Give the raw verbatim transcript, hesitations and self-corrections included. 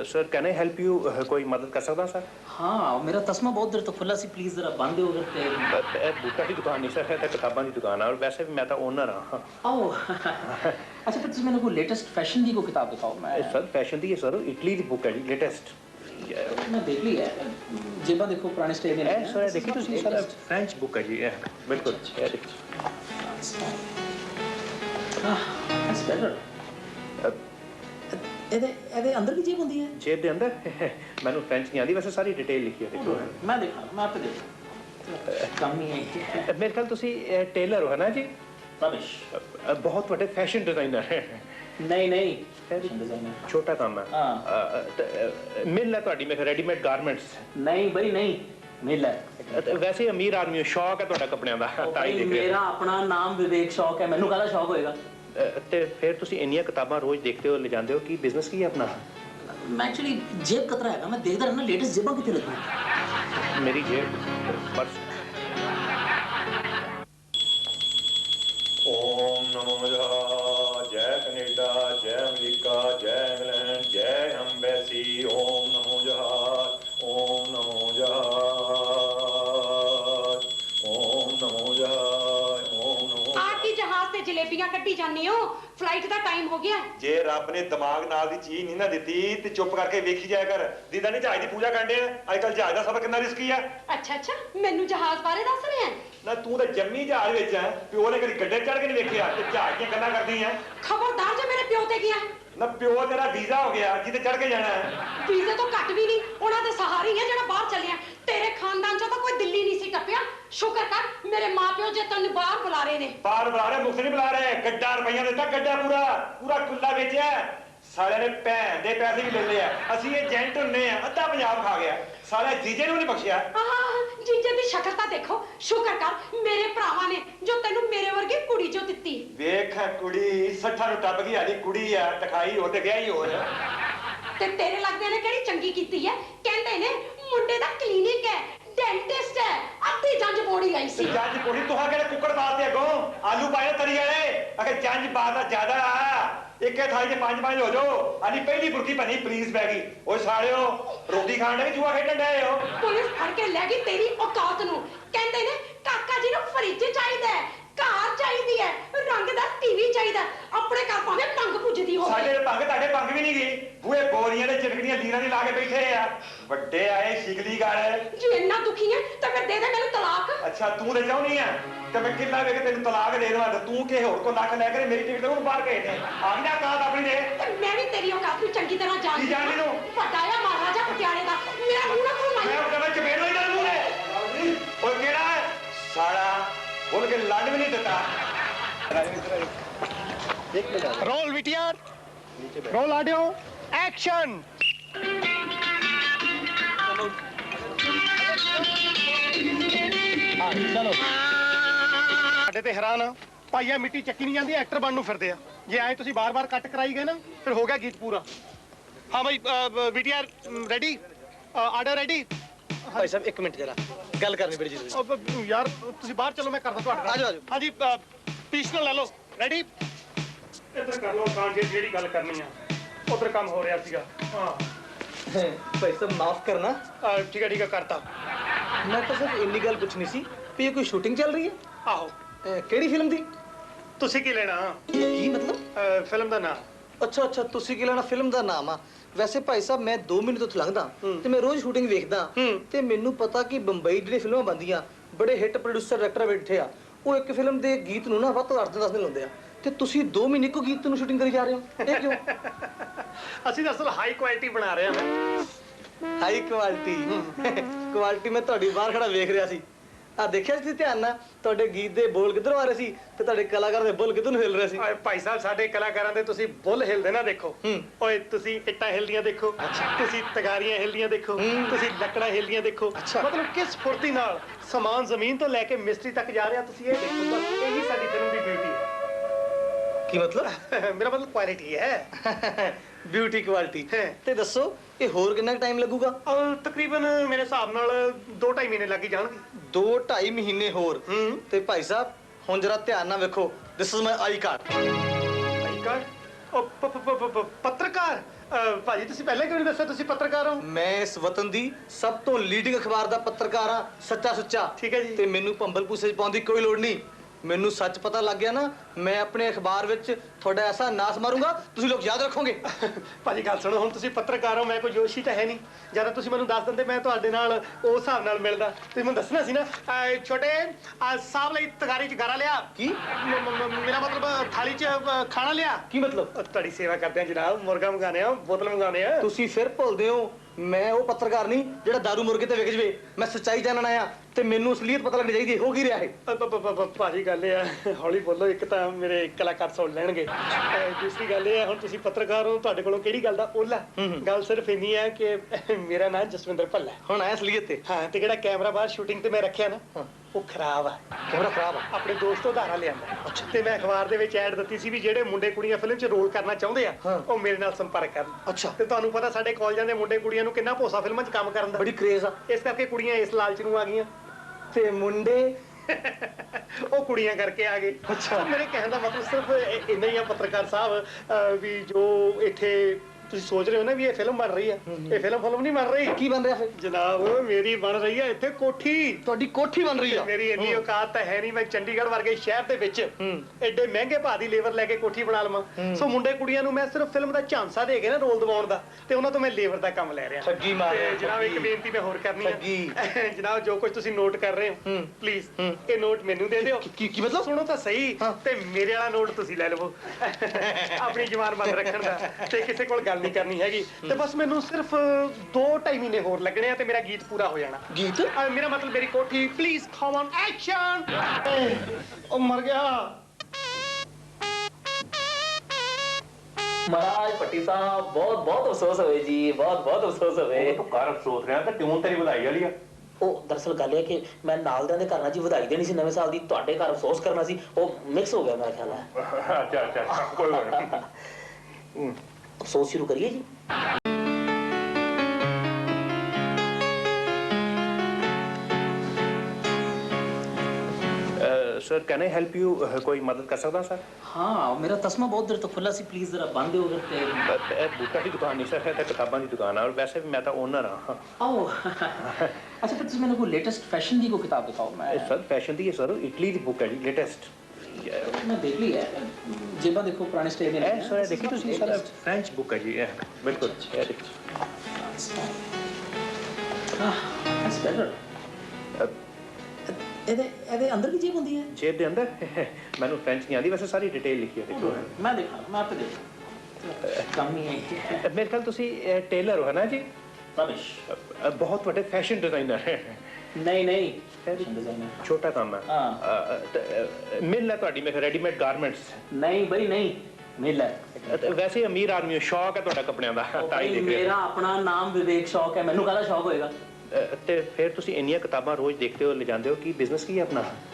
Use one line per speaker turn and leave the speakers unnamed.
Sir can I help you? कोई मदद कर सकता सर?
हाँ मेरा तस्मा बहुत देर तो खुला सी, प्लीज जरा बंद हो अगर।
बूटा की दुकान नहीं सर, है किताबों की दुकान है और वैसे भी मैं तो ओनर हाँ।
आओ अच्छा फिर तुम मैंने कोई लेटेस्ट फैशन दी को किताब दिखाओ। मैं
सर फैशन दी है सर, इटली की बुक है जी लेटेस्ट।
मैं देख ली है, जेबा देखो पुराने स्टाइल में
है सर, देखी तुसी सर फ्रेंच बुक है जी है बिल्कुल। ये देखिए
हां दैट्स बेटर। ਇਹਦੇ ਇਹਦੇ ਅੰਦਰ ਵੀ ਜੇਬ ਹੁੰਦੀ ਹੈ?
जेब ਦੇ अंदर ਮੈਨੂੰ फ्रेंच नहीं आती, वैसे सारी डिटेल लिखी है देखो।
मैं देखा मैं आपको देखा कम ही है।
मेरे ख्याल तुसी टेलर हो है ना जी?
रमेश
बहुत बड़े फैशन डिजाइनर है।
नहीं नहीं फैशन डिजाइनर
छोटा काम है।
हां
मिल है ਤੁਹਾਡੀ मैं रेडीमेड गारमेंट्स?
नहीं भाई नहीं मिल है।
वैसे अमीर आदमी हो, शौक है ਤੁਹਾਡਾ ਕੱਪੜਿਆਂ ਦਾ ਤਾਂ ਹੀ ਦੇਖ ਰਹੇ।
मेरा अपना नाम विवेक शौक है, ਮੈਨੂੰ ਕਾਹਦਾ ਸ਼ੌਕ ਹੋਏਗਾ?
ਤੇ ਫਿਰ ਤੁਸੀਂ ਇੰਨੀਆਂ ਕਿਤਾਬਾਂ ਰੋਜ਼ ਦੇਖਦੇ ਹੋ, ਲੈ ਜਾਂਦੇ ਹੋ, ਕੀ ਬਿਜ਼ਨਸ ਕੀ ਹੈ ਆਪਣਾ?
ਮੈਂ ਐਕਚੁਅਲੀ ਜੇਬ ਕਤਰਾ ਹੈਗਾ, ਮੈਂ ਦੇਖਦਾ ਰਹਿਣਾ ਲੇਟੈਸਟ ਜੇਬਾਂ ਕਿੱਥੇ ਲੱਗੀਆਂ।
ਮੇਰੀ ਜੇਬ ਪਰਸ। ਓਮ ਨਮੋ ਬੁੱਧਾय, ਜੈ ਕੈਨੇਡਾ, ਜੈ ਅਮਰੀਕਾ, ਜੈ ਇੰਗਲੈਂਡ, ਜੈ ਅੰਬੈਸੀ। ਓਮ ਨਮੋ ਬੁੱਧਾय, ਓਮ ਨਮੋ ਬੁੱਧਾय, ਓਮ ਨਮੋ ਬੁੱਧਾय, ਓਮ ਨਮੋ।
आके जहाज से जलेबियां कट्टी जाने हो, फ्लाइट का टाइम हो गया।
जे रब ने दिमाग नाल दी चीज नहीं ना दिती ते चुप करके वेखी जाया कर। दीदा ने जहाज दी पूजा करने अजकल जहाज दा सफर कितना रिस्की है।
अच्छा अच्छा मैनू जहाज बारे दस रहे हैं
ना तू तो जम्मी जहाज विच है, प्यो ने कदी गड्ढे चढ़ के नहीं वेखिया ते जहाज दी गल्लां करदी है।
खबरदार जो मेरे प्यो ते गया
ना प्यो तेरा वीजा हो गया जिते चढ़ के जाना है।
वीजे तो घट भी नहीं, उन्हां दे सहारे ही है जेड़ा बाहर चलिया। तेरे खानदान चों तो कोई दिल्ली नहीं सी टपिया। शुक्र कर मेरे मां प्यो जे तन्नू बाहर बुला रहे ने।
बाहर बुला रहे, मुफ्त नहीं बुला रहे। गड्ढा रुपया देता, गड्ढा पूरा पूरा कुल्ला बेचा साले ने, भैन दे पैसे भी ले लिया। ਅਸੀਂ ਏਜੰਟ ਹੁੰਨੇ ਆ, ਅੱਧਾ ਪੰਜਾਬ ਖਾ ਗਿਆ ਸਾਲੇ। ਜੀਜੇ ਨੂੰ ਨਹੀਂ ਬਖਸ਼ਿਆ।
ਆਹ ਜੀਜੇ ਦੀ ਸ਼ਕਲ ਤਾਂ ਦੇਖੋ। ਸ਼ੁਕਰ ਕਰ ਮੇਰੇ ਭਰਾਵਾਂ ਨੇ ਜੋ ਤੈਨੂੰ ਮੇਰੇ ਵਰਗੀ ਕੁੜੀ ਚੋਂ ਦਿੱਤੀ।
ਵੇਖ ਕੁੜੀ ਸੱਠਾਂ ਨੂੰ ਟੱਪ ਗਈ, ਆਦੀ ਕੁੜੀ ਆ ਟਖਾਈ ਹੋ ਤੇ ਵਿਆਹੀ ਹੋ ਜਾ।
ਤੇ ਤੇਰੇ ਲੱਗਦੇ ਨੇ ਕਿਹੜੀ ਚੰਗੀ ਕੀਤੀ ਹੈ? ਕਹਿੰਦੇ ਨੇ ਮੁੰਡੇ ਦਾ ਕਲੀਨਿਕ ਹੈ, डेंटिस्ट है, अद्धी जंज बोड़ी आई सी।
जंज बोड़ी तो हा केड़े कुकड़ बात दे अगों आलू पाए तरी वाले अगर जंज बात दा ज्यादा आ एक थाली च पांच पांच हो जाओ। आली पहली बुरकी बनी पुलिस पै गई। ओए सालियो रोटी खाण दे जुआ खेडण डे हो।
पुलिस फड़ के ले गई तेरी औकात नु। कहंदे ने काका जी नु फ्रिज चाहीदा है, कार चाहिदी है, रंगदार टीवी चाहिदा। अपने घर भावे पंग पुजदी हो।
साडे पंग ताडे पंग भी नहीं गई। बूए बोरियां दे चिरकड़ियां लीरां दी ला के बैठे आ। ਵੱਡੇ ਆਏ ਸ਼ਿਕਲੀ ਗਾਲ।
ਜੀ ਇੰਨਾ ਦੁਖੀ ਹੈ ਤਾਂ ਫਿਰ ਦੇ ਦੇ ਮੈਨੂੰ ਤਲਾਕ।
ਅੱਛਾ ਤੂੰ ਤੇ ਚਾਹੁੰਦੀ ਆ ਤੇ ਮੈਂ ਕਿੰਨਾ ਵੇ ਕੇ ਤੈਨੂੰ ਤਲਾਕ ਦੇ ਦੇਵਾਂ ਤੇ ਤੂੰ ਕਿਸੇ ਹੋਰ ਕੋ ਲੱਖ ਲੈ ਕੇ ਮੇਰੀ ਟਿਕਟ ਨੂੰ ਬਾਹਰ ਭੇਜ ਦੇ। ਆ ਗਈ ਨਾ ਕਾਤ ਆਪਣੀ ਦੇ।
ਤੇ ਮੈਂ ਵੀ ਤੇਰੀ ਔਕਾਤ ਨੂੰ ਚੰਗੀ ਤਰ੍ਹਾਂ ਜਾਣਦੀ।
ਕੀ ਜਾਣਦੀ ਨੂੰ?
ਵੱਡਾ ਆ ਮਹਾਰਾਜਾ ਪਟਿਆਲੇ ਦਾ। ਮੇਰਾ ਮੂੰਹ ਨਾ ਘੁਮਾਈ।
ਮੈਂ ਕਹਿੰਦਾ ਚਪੇੜ ਲਈ ਤੇਰੇ ਮੂੰਹ ਨੇ। ਓਏ ਕਿਹੜਾ ਸਾਲਾ ਬੋਲ ਕੇ ਲੰਡ ਵੀ ਨਹੀਂ ਦਿੱਤਾ।
एक minute
roll VTR, roll audio, action. चलो ਸਾਡੇ ਤੇ ਹੈਰਾਨ ਆ ਭਾਈਆ, ਮਿੱਟੀ ਚੱਕੀ ਨਹੀਂ ਜਾਂਦੀ, ਐਕਟਰ ਬਣਨ ਨੂੰ ਫਿਰਦੇ ਆ। ਜੇ ਐ ਤੁਸੀਂ ਬਾਰ-ਬਾਰ ਕੱਟ ਕਰਾਈ ਗਏ ਨਾ ਫਿਰ ਹੋ ਗਿਆ ਗੀਤ ਪੂਰਾ। ਹਾਂ ਭਾਈ ਵਿਟੀਆਰ ਰੈਡੀ, ਆਰਡਰ ਰੈਡੀ।
ਭਾਈ ਸਾਹਿਬ ਇੱਕ ਮਿੰਟ ਜਰਾ ਗੱਲ ਕਰਨੀ ਬੜੀ ਜ਼ਰੂਰੀ।
ਯਾਰ ਤੁਸੀਂ ਬਾਹਰ ਚਲੋ, ਮੈਂ ਕਰਦਾ ਤੁਹਾਡੇ ਨਾਲ।
ਆਜੋ ਆਜੋ।
ਹਾਂਜੀ ਪੀਸਨਲ ਲੈ ਲਓ। ਰੈਡੀ, ਇੱਧਰ ਕਰ ਲਓ ਕਾਂ ਜੇ ਜਿਹੜੀ ਗੱਲ ਕਰਨੀ ਆ। ਉਧਰ ਕੰਮ ਹੋ ਰਿਹਾ ਸੀਗਾ। ਹਾਂ
ਭਾਈ ਸਾਹਿਬ ਮਾਫ ਕਰਨਾ।
ਠੀਕ ਹੈ ਠੀਕ ਹੈ ਕਰਤਾ।
ਮੈਂ ਤਾਂ ਸਿਰਫ ਇੰਨੀ ਗੱਲ ਪੁੱਛਣੀ ਸੀ ਵੀ ਇਹ ਕੋਈ ਸ਼ੂਟਿੰਗ ਚੱਲ ਰਹੀ ਹੈ?
ਆਹੋ।
ਕਿਹੜੀ ਫਿਲਮ ਦੀ?
ਤੁਸੀਂ ਕੀ ਲੈਣਾ?
ਕੀ ਮਤਲਬ?
ਫਿਲਮ ਦਾ ਨਾਮ।
ਅੱਛਾ ਅੱਛਾ ਤੁਸੀਂ ਕੀ ਲੈਣਾ? ਫਿਲਮ ਦਾ ਨਾਮ ਆ। ਵੈਸੇ ਭਾਈ ਸਾਹਿਬ ਮੈਂ ਦੋ ਮਹੀਨੇ ਤੋਂ ਲੰਘਦਾ ਤੇ ਮੈਂ ਰੋਜ਼ ਸ਼ੂਟਿੰਗ ਵੇਖਦਾ ਤੇ ਮੈਨੂੰ ਪਤਾ ਕਿ ਬੰਬਈ ਜਿਹੜੇ ਫਿਲਮਾਂ ਬਣਦੀਆਂ ਬੜੇ ਹਿੱਟ ਪ੍ਰੋਡਿਊਸਰ ਡਾਇਰੈਕਟਰ ਬੈਠੇ ਆ, ਉਹ ਇੱਕ ਫਿਲਮ ਦੇ ਗੀਤ ਨੂੰ ਨਾ ਵੱਧ ਤੋਂ ਅੱਠ ਦਿਨ ਦਸ ਦਿਨ ਲਾਉਂਦੇ ਆ ਤੇ ਤੁਸੀਂ ਦੋ ਮਹੀਨੇ ਕੋ ਗੀਤ ਨੂੰ ਸ਼ੂਟਿੰਗ ਕਰੀ ਜਾ ਰਹੇ ਹੋ, ਇਹ ਕਿਉਂ?
ਅਸੀਂ ਤਾਂ ਅਸਲ ਹਾਈ ਕੁਆਲਿਟੀ ਬਣਾ ਰਹੇ ਹਾਂ।
ਹਾਈ ਕੁਆਲਿਟੀ ਕੁਆਲਿਟੀ ਮੈਂ ਤੁਹਾਡੀ ਬਾਹਰ ਖੜਾ ਵੇਖ ਰਿਹਾ ਸੀ। ਆ ਦੇਖਿਆ ਸੀ ਧਿਆਨ ਨਾਲ ਤੁਹਾਡੇ ਗੀਤ ਦੇ ਬੋਲ ਕਿੱਧਰੋਂ ਆ ਰਹੇ ਸੀ ਤੇ ਤੁਹਾਡੇ ਕਲਾਕਾਰ ਦੇ ਬੋਲ ਕਿੱਧਰ ਨੂੰ ਹਿੱਲ ਰਹੇ ਸੀ।
ਓਏ ਭਾਈ ਸਾਹਿਬ ਸਾਡੇ ਕਲਾਕਾਰਾਂ ਦੇ ਤੁਸੀਂ ਬੁੱਲ ਹਿਲਦੇ ਨਾ ਦੇਖੋ। ਓਏ ਤੁਸੀਂ ਇੱਟਾਂ ਹਿਲਦੀਆਂ ਦੇਖੋ, ਤੁਸੀਂ ਤਗਾਰੀਆਂ ਹਿਲਦੀਆਂ ਦੇਖੋ, ਤੁਸੀਂ ਲੱਕੜਾਂ ਹਿਲਦੀਆਂ ਦੇਖੋ। ਮਤਲਬ ਕਿਸ ਫੁਰਤੀ ਨਾਲ ਸਮਾਨ ਜ਼ਮੀਨ ਤੋਂ ਲੈ ਕੇ ਮਿਸਤਰੀ ਤੱਕ ਜਾ ਰਿਹਾ ਤੁਸੀਂ ਇਹ ਦੇਖੋ। ਬਸ ਇਹੀ ਸਾਡੀ ਫਿਲਮ ਦੀ ਬਿਊਟੀ ਹੈ।
ਕੀ ਮਤਲਬ?
ਮੇਰਾ ਮਤਲਬ ਕੁਆਲਿਟੀ ਹੈ।
Beauty quality. ਤੇ ਦੱਸੋ ਇਹ ਹੋਰ ਕਿੰਨਾ ਟਾਈਮ ਲੱਗੂਗਾ?
ਤਕਰੀਬਨ ਮੇਰੇ ਹਿਸਾਬ ਨਾਲ ਦੋ ਢਾਈ ਮਹੀਨੇ ਲੱਗ ਜਾਣਗੇ।
ਦੋ ਢਾਈ ਮਹੀਨੇ ਹੋਰ? ਤੇ ਭਾਈ ਸਾਹਿਬ ਹੁਣ ਜਰਾ ਧਿਆਨ ਨਾਲ ਵੇਖੋ। This is my I card.
I card? ਉਹ ਪ- ਪ- ਪ- ਪ- ਪੱਤਰਕਾਰ ਅਹ, ਭਾਜੀ ਤੁਸੀਂ ਪਹਿਲਾਂ ਕਿਉਂ ਨਹੀਂ ਦੱਸਿਆ ਤੁਸੀਂ ਪੱਤਰਕਾਰ ਹੋ?
ਮੈਂ ਇਸ ਵਤਨ ਦੀ ਸਭ ਤੋਂ ਲੀਡਿੰਗ ਅਖਬਾਰ ਦਾ ਪੱਤਰਕਾਰ ਹਾਂ, ਸੱਚਾ ਸੁੱਚਾ।
ਠੀਕ ਹੈ ਜੀ।
ਤੇ ਮੈਨੂੰ ਭੰਬਲ ਭੂਸੇ 'ਚ ਪਾਉਣ ਦੀ ਕੋਈ ਲੋੜ ਨਹੀਂ। ਮੈਨੂੰ ਸੱਚ ਪਤਾ ਲੱਗ ਗਿਆ ਨਾ, ਮੈਂ ਆਪਣੇ ਅਖਬਾਰ ਵਿੱਚ ਤੁਹਾਡਾ ਐਸਾ ਨਾਸ ਮਾਰੂੰਗਾ, ਤੁਸੀਂ ਲੋਕ ਯਾਦ ਰੱਖੋਗੇ।
ਭਾਜੀ ਗੱਲ ਸੁਣੋ, ਹੁਣ ਤੁਸੀਂ ਪੱਤਰਕਾਰ ਹੋ, ਮੈਂ ਕੋਈ ਜੋਸ਼ੀ ਤਾਂ ਹੈ ਨਹੀਂ। ਜਦੋਂ ਤੁਸੀਂ ਮੈਨੂੰ ਦੱਸ ਦਿੰਦੇ ਮੈਂ ਤੁਹਾਡੇ ਨਾਲ ਉਸ ਹਿਸਾਬ ਨਾਲ ਮਿਲਦਾ। ਤੁਸੀਂ ਮੈਨੂੰ ਦੱਸਣਾ ਸੀ ਨਾ। ਅਹ, ਛੋਟੇ ਅਹ, ਸਾਹਿਬ ਲਈ ਤਗਾਰੀ 'ਚ ਗਾਰਾ ਲਿਆ।
ਕੀ?
ਮ- ਮ- ਮ- ਮੇਰਾ ਮਤਲਬ ਥਾਲੀ 'ਚ ਅਹ, ਖਾਣਾ ਲਿਆ।
ਕੀ ਮਤਲਬ?
ਅਹ, ਤੁਹਾਡੀ ਸੇਵਾ ਕਰਦੇ ਆ ਜਨਾਬ, ਮੁਰਗਾ ਮੰਗਾਣੇ ਆ, ਬੋਤਲ ਮੰਗਾਣੇ ਆ।
ਤੁਸੀਂ ਫਿਰ ਭੁੱਲਦੇ ਹੋ, ਮੈਂ ਉਹ ਪੱਤਰਕਾਰ ਨਹੀਂ ਜਿਹੜਾ ਦਾਰੂ ਮੁਰਗੇ ਤੇ ਵਿਕ ਜਵੇ। ਮੈਂ ਸੱਚਾਈ ਜਾਣਨ ਆਇਆ ਤੇ ਮੈਨੂੰ ਅਸਲੀਅਤ ਪਤਾ ਲੱਗਣੀ ਚਾਹੀਦੀ ਹੈ। ਹੋ ਕੀ ਰਿਹਾ ਹੈ?
ਅ, ਪ- ਪ- ਪ- ਭਾਜੀ ਗੱਲ ਇਹ ਆ, ਹੌਲੀ ਬੋਲੋ, ਇੱਕ ਤਾਂ ਮੇਰੇ ਕਲਾਕਾਰ ਸੁਣ ਲੈਣਗੇ। ਅ, ਦੂਸਰੀ ਗੱਲ ਇਹ ਆ, ਹੁਣ ਤੁਸੀਂ ਪੱਤਰਕਾਰ ਹੋ, ਤੁਹਾਡੇ ਕੋਲੋਂ ਕਿਹੜੀ ਗੱਲ ਦਾ ਓਲਾ? ਗੱਲ ਸਿਰਫ ਇੰਨੀ ਹੈ ਕਿ ਮੇਰਾ ਨਾਮ ਜਸਵਿੰਦਰ ਭੱਲਾ ਹੈ।
ਹੁਣ ਆਇਆ ਅਸਲੀਅਤ ਤੇ।
ਹਾਂ, ਤੇ ਜਿਹੜਾ ਕੈਮਰਾ ਬਾਹਰ ਸ਼ੂਟਿੰਗ ਤੇ ਮੈਂ ਰੱਖਿਆ ਨਾ, ਉਹ ਖਰਾਬ ਆ।
ਕੈਮਰਾ ਖਰਾਬ ਆ?
ਆਪਣੇ ਦੋਸਤ ਉਧਾਰਾ ਲਿਆਂਦਾ। ਤੇ ਮੈਂ ਅਖਬਾਰ ਦੇ ਵਿੱਚ ਐਡ ਦਿੱਤੀ ਸੀ ਵੀ ਜਿਹੜੇ ਮੁੰਡੇ ਕੁੜੀਆਂ ਫਿਲਮ 'ਚ ਰੋਲ ਕਰਨਾ ਚਾਹੁੰਦੇ ਆ,
ਹਾਂ।
ਉਹ ਮੇਰੇ ਨਾਲ ਸੰਪਰਕ ਕਰਨ।
ਅੱਛਾ।
ਤੇ ਤੁਹਾਨੂੰ ਪਤਾ ਸਾਡੇ ਕਾਲਜਾਂ ਦੇ ਮੁੰਡੇ ਕੁੜੀਆਂ ਨੂੰ ਕਿੰਨਾ ਭੋਸਾ ਫਿਲਮਾਂ 'ਚ ਕੰਮ ਕਰਨ ਦਾ।
ਬੜੀ ਕ੍ਰੇਜ਼ ਆ।
ਇਸ ਕਰਕੇ ਕੁੜੀਆਂ ਇਸ ਲਾਲਚ ਨੂੰ ਆ ਗਈਆਂ
ਤੇ ਮੁੰਡੇ
ਉਹ ਕੁੜੀਆਂ ਕਰਕੇ ਆ ਗਏ। ਅੱਛਾ, ਮੇਰੇ ਕਹਿਣ ਦਾ ਮਤਲਬ ਸਿਰਫ ਇ- ਇੰਨਾ ਹੀ ਆ ਪੱਤਰਕਾਰ ਸਾਹਿਬ, ਅਹ, ਵੀ ਜੋ ਇੱਥੇ ਤੁਸੀਂ ਸੋਚ ਰਹੇ ਹੋ ਨਾ ਵੀ ਇਹ ਫਿਲਮ ਬਣ ਰਹੀ ਆ, ਇਹ ਫਿਲਮ ਫਿਲਮ ਨਹੀਂ ਬਣ ਰਹੀ।
ਕੀ ਬਣ ਰਿਹਾ ਫਿਰ?
ਜਨਾਬ, ਮੇਰੀ ਬਣ ਰਹੀ ਆ ਇੱਥੇ ਕੋਠੀ।
ਤੁਹਾਡੀ ਕੋਠੀ ਬਣ ਰਹੀ ਆ?
ਮੇਰੀ ਇੰਨੀ ਔਕਾਤ ਤਾਂ ਹੈ ਨਹੀਂ, ਮੈਂ ਚੰਡੀਗੜ੍ਹ ਵਰਗੇ ਸ਼ਹਿਰ ਦੇ ਵਿੱਚ ਐਡੇ ਮਹਿੰਗੇ ਭਾਅ ਦੀ ਲੇਬਰ ਲੈ ਕੇ ਕੋਠੀ ਬਣਾ ਲਵਾਂ। ਸੋ ਮੁੰਡੇ ਕੁੜੀਆਂ ਨੂੰ ਮੈਂ ਸਿਰਫ ਫਿਲਮ ਦਾ ਝਾਂਸਾ ਦੇ ਕੇ ਨਾ ਰੋਲ ਦਿਵਾਉਣ ਦਾ, ਤੇ ਉਹਨਾਂ ਤੋਂ ਮੈਂ ਲੇਬਰ ਦਾ ਕੰਮ ਲੈ ਰਿਹਾ।
ਠੱਗੀ ਮਾਰ ਰਿਹਾ।
ਤੇ ਜਨਾਬ, ਇੱਕ ਬੇਨਤੀ ਮੈਂ ਹੋਰ ਕਰਨੀ
ਠੱਗੀ।
ਹੈ। ਜਨਾਬ, ਜੋ ਕੁਝ ਤੁਸੀਂ ਨੋਟ ਕਰ ਰਹੇ ਹੋ, ਪਲੀਜ਼ ਇਹ ਨੋਟ ਮੈਨੂੰ ਦੇ ਦਿਓ।
ਕੀ ਕੀ ਮਤਲਬ?
ਸੁਣੋ ਤਾਂ ਸਹੀ,
ਹਾਂ।
ਤੇ ਮੇਰੇ ਵਾਲਾ ਨੋਟ ਤੁਸੀਂ ਲੈ ਲਵੋ। ਆਪਣੀ ਜ਼ੁਬਾਨ ਬੰਦ ਰੱਖਣ ਦਾ, ਤੇ ਕਿਸੇ ਕੋਲ ਗੱਲ ਨਹੀਂ ਕਰਨੀ ਹੈਗੀ। ਤੇ ਬਸ ਮੈਨੂੰ ਸਿਰਫ ਦੋ ਢਾਈ ਮਹੀਨੇ ਹੋਰ ਲੱਗਣੇ ਆ ਤੇ ਮੇਰਾ ਗੀਤ ਪੂਰਾ ਹੋ ਜਾਣਾ।
ਗੀਤ?
ਅਹ, ਮੇਰਾ ਮਤਲਬ ਮੇਰੀ ਕੋਠੀ। Please come on action. ਉਹ ਮਰ ਗਿਆ।
महाराज पट्टी साहब बहुत बहुत अफसोस हुए जी, बहुत बहुत अफसोस हुए।
ਤੂੰ ਕਰ ਅਫਸੋਸ ਰਿਹਾ ਤਾਂ ਟਿਊਨ ਤੇਰੀ ਵਧਾਈ ਵਾਲੀ ਆ।
ਉਹ ਦਰਅਸਲ ਗੱਲ ਇਹ ਕਿ ਮੈਂ ਨਾਲ ਦਿਆਂ ਦੇ ਘਰ ਨਾਲ ਜੀ ਵਧਾਈ ਦੇਣੀ ਸੀ ਨਵੇਂ ਸਾਲ ਦੀ, ਤੁਹਾਡੇ ਘਰ ਅਫਸੋਸ ਕਰਨਾ ਸੀ, ਉਹ ਮਿਕਸ ਹੋ ਗਿਆ ਮੇਰਾ ਖਿਆਲ ਹੈ।
ਅੱਛਾ ਅੱਛਾ, ਕੋਈ ਗੱਲ ਨਹੀਂ।
ਅਫਸੋਸ ਸ਼ੁਰੂ ਕਰੀਏ ਜੀ।
Sir can I help you? ਕੋਈ ਮਦਦ ਕਰ ਸਕਦਾ ਸਰ?
हाँ, मेरा तस्मा बहुत देर तो खुला सी, प्लीज जरा बंद हो करते।
ਇਹ ਬੂਟਾ ਦੀ ਦੁਕਾਨ ਨਹੀਂ ਸਰ, ਇਹ ਤਾਂ ਕਿਤਾਬਾਂ ਦੀ ਦੁਕਾਨ ਆ, ਔਰ ਵੈਸੇ ਵੀ ਮੈਂ ਤਾਂ ਓਨਰ ਹਾਂ।
आओ। अच्छा, फिर तुम मैंने कोई लेटेस्ट फैशन दी को किताब दिखाओ। मैं
ਇਹ ਸਰ ਫੈਸ਼ਨ ਦੀ ਹੈ ਸਰ, ਇਟਲੀ ਦੀ ਬੁੱਕ ਹੈ ਜੀ, ਲੇਟੈਸਟ।
मैं देख ली है, जेबा देखो पुराने स्टाइल
ਇਹ ਸਰ ਦੇਖੀ ਤੁਸੀਂ ਸਰ, ਫ੍ਰੈਂਚ ਬੁੱਕ ਹੈ ਜੀ, ਇਹ ਬਿਲਕੁਲ ਇਹ ਦੇਖੋ।
That's better. ਇਹਦੇ ਇਹਦੇ ਅੰਦਰ ਵੀ ਜੇਬ ਹੁੰਦੀ ਹੈ?
ਜੇਬ ਦੇ ਅੰਦਰ ਮੈਨੂੰ ਫ੍ਰੈਂਚ ਨਹੀਂ ਆਉਂਦੀ, ਵੈਸੇ ਸਾਰੀ ਡਿਟੇਲ ਲਿਖੀ ਹੈ ਦੇਖੋ।
ਮੈਂ ਦੇਖਾਂ, ਮੈਂ ਆਪੇ ਦੇਖਾਂ। ਕਮ ਹੀ ਹੈ।
ਮੇਰੇ ਖਿਆਲ ਤੁਸੀਂ ਟੇਲਰ ਹੋ ਨਾ ਜੀ?
ਰਮੇਸ਼।
ਅ, ਬਹੁਤ ਵੱਡੇ ਫੈਸ਼ਨ ਡਿਜ਼ਾਈਨਰ ਹੈ।
ਨਹੀਂ ਨਹੀਂ, ਫੈਸ਼ਨ ਡਿਜ਼ਾਈਨਰ
ਛੋਟਾ ਕੰਮ ਹੈ।
ਹਾਂ।
ਅ, ਅ, ਤ- ਮਿਲ ਹੈ ਤੁਹਾਡੀ ਮੇਰੇ ਰੈਡੀਮੇਡ ਗਾਰਮੈਂਟਸ।
ਨਹੀਂ ਬਈ ਨਹੀਂ, ਮਿਲ ਹੈ।
ਵੈਸੇ ਅਮੀਰ ਆਦਮੀ ਹੋ, ਸ਼ੌਕ ਹੈ ਤੁਹਾਡਾ ਕੱਪੜਿਆਂ ਦਾ, ਤਾਂ ਹੀ
ਭਾਈ,
ਦੇਖ ਰਿਹਾ।
ਮੇਰਾ ਆਪਣਾ ਨਾਮ ਵਿਵੇਕ ਸ਼ੌਕ ਹੈ, ਮੈਨੂੰ ਕਾਹਦਾ ਸ਼ੌਕ ਹੋਏਗਾ?
ਅ, ਤੇ ਫਿਰ ਤੁਸੀਂ ਇੰਨੀਆਂ ਕਿਤਾਬਾਂ ਰੋਜ਼ ਦੇਖਦੇ ਹੋ, ਲਿਜਾਂਦੇ ਹੋ, ਕੀ ਬਿਜ਼ਨਸ ਕੀ ਹੈ ਆਪਣਾ?